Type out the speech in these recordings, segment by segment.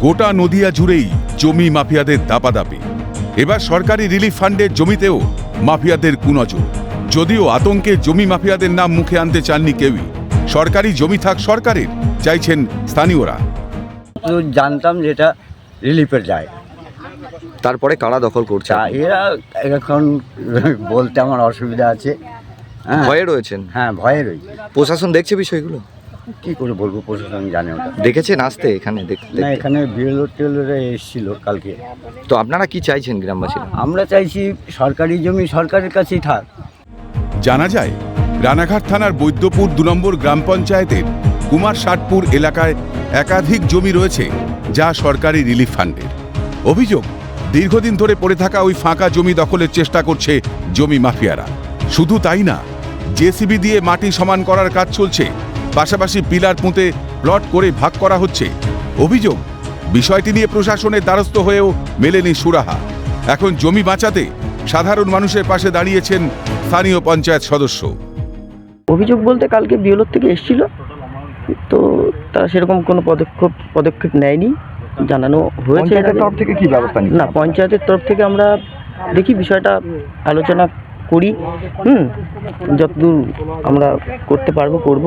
গোটা নদিয়া জুড়েই জমি মাফিয়াদের দাপাদাপি। এবার সরকারি রিলিফ ফান্ডের জমিতেও মাফিয়াদের কুনজর। যদিও আতঙ্কে জমি মাফিয়াদের নাম মুখে আনতে চাননি কেউই। সরকারি জমি থাক সরকারের, চাইছেন স্থানীয়রা। জানতাম যেটা রিলিফের যায়, তারপরে কারা দখল করছে? এরা এখন বলতে আমার অসুবিধা আছে। ভয়ে রয়েছেন? হ্যাঁ, ভয়ে রয়েছে। প্রশাসন দেখছে বিষয়গুলো? কি করে বলবো, প্রশাসন জানে ওটা। দেখেছেন আসতে এখানে? না, এখানে বিএলও এসেছিল কালকে। তো আপনারা কি চাইছেন গ্রামবাসীরা? আমরা চাইছি সরকারি জমি সরকারের কাছেই থাক। জানা যায়, রানাঘাট থানার বৈদ্যপুর 2 নম্বর গ্রাম পঞ্চায়েতের কুমার ষাটপুর এলাকায় একাধিক জমি রয়েছে, যা সরকারি রিলিফ ফান্ডের। অভিযোগ, দীর্ঘদিন ধরে পড়ে থাকা ওই ফাঁকা জমি দখলের চেষ্টা করছে জমি মাফিয়ারা। শুধু তাই না, জেসিবি দিয়ে মাটি সমান করার কাজ চলছে, পাশাপাশি পিলার পুঁতে প্লট করে ভাগ করা হচ্ছে। অভিযোগ, বিষয়টি নিয়ে প্রশাসনের দ্বারস্থ হয়েও মেলেনি সুরাহা। এখন জমি বাঁচাতে সাধারণ মানুষের পাশে দাঁড়িয়েছেন স্থানীয় পঞ্চায়েত সদস্য। অভিযোগ বলতে কালকে বিএলওর থেকে এসেছিল, তো তারা সেরকম কোনো পদক্ষেপ নেয়নি। জানানো হয়েছে তরফ থেকে কি ব্যবস্থা নিচ্ছে? না, পঞ্চায়েতের তরফ থেকে আমরা দেখি বিষয়টা আলোচনা করি, যতদূর আমরা করতে পারবো করব।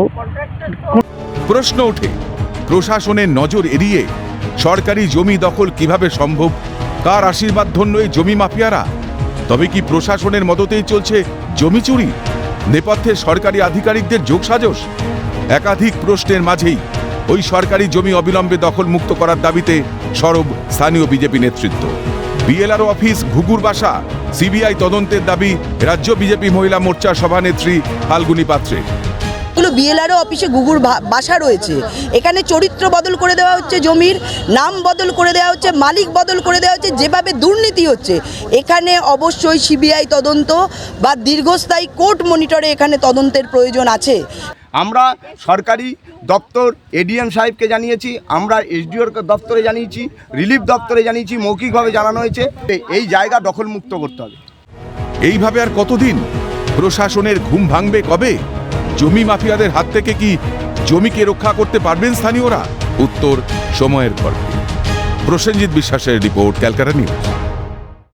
প্রশ্ন ওঠে, প্রশাসনের নজর এড়িয়ে সরকারি জমি দখল কিভাবে সম্ভব? কার আশীর্বাদ ধন্য এই জমি মাফিয়ারা? তবে কি প্রশাসনের মদতেই চলছে জমি চুরি? নেপথ্যে সরকারি আধিকারিকদের যোগসাজশ? একাধিক প্রশ্নের মাঝেই ওই সরকারি জমি অবিলম্বে দখল মুক্ত করার দাবিতে সরব স্থানীয় বিজেপি নেতৃত্ব। বিএলআরও অফিস ঘুঘুর বাসা, সিবিআই তদন্তের দাবি রাজ্য বিজেপি মহিলা মোর্চার সভানেত্রী ফাল্গুনী পাত্রের। বিএলআরও অফিসে ঘুঘুর বাসা রয়েছে, এখানে চরিত্র বদল করে দেওয়া হচ্ছে, জমির নাম বদল করে দেওয়া হচ্ছে, মালিক বদল করে দেওয়া হচ্ছে। যেভাবে দুর্নীতি হচ্ছে, এখানে অবশ্যই সিবিআই তদন্ত বা দীর্ঘস্থায়ী কোর্ট মনিটরে এখানে তদন্তের প্রয়োজন আছে। আমরা সরকারি দপ্তর এডিএম সাহেবকে জানিয়েছি, আমরা এসডিওর দপ্তরে জানিয়েছি, রিলিফ দপ্তরে জানিয়েছি, মৌখিকভাবে জানানো হয়েছে এই জায়গা দখলমুক্ত করতে হবে। এইভাবে আর কতদিন? প্রশাসনের ঘুম ভাঙবে কবে? জমি মাফিয়াদের হাত থেকে কি জমিকে রক্ষা করতে পারবেন স্থানীয়রা? উত্তর সময়ের গল্পে। প্রসেনজিৎ বিশ্বাসের রিপোর্ট, ক্যালকাটা নিউজ।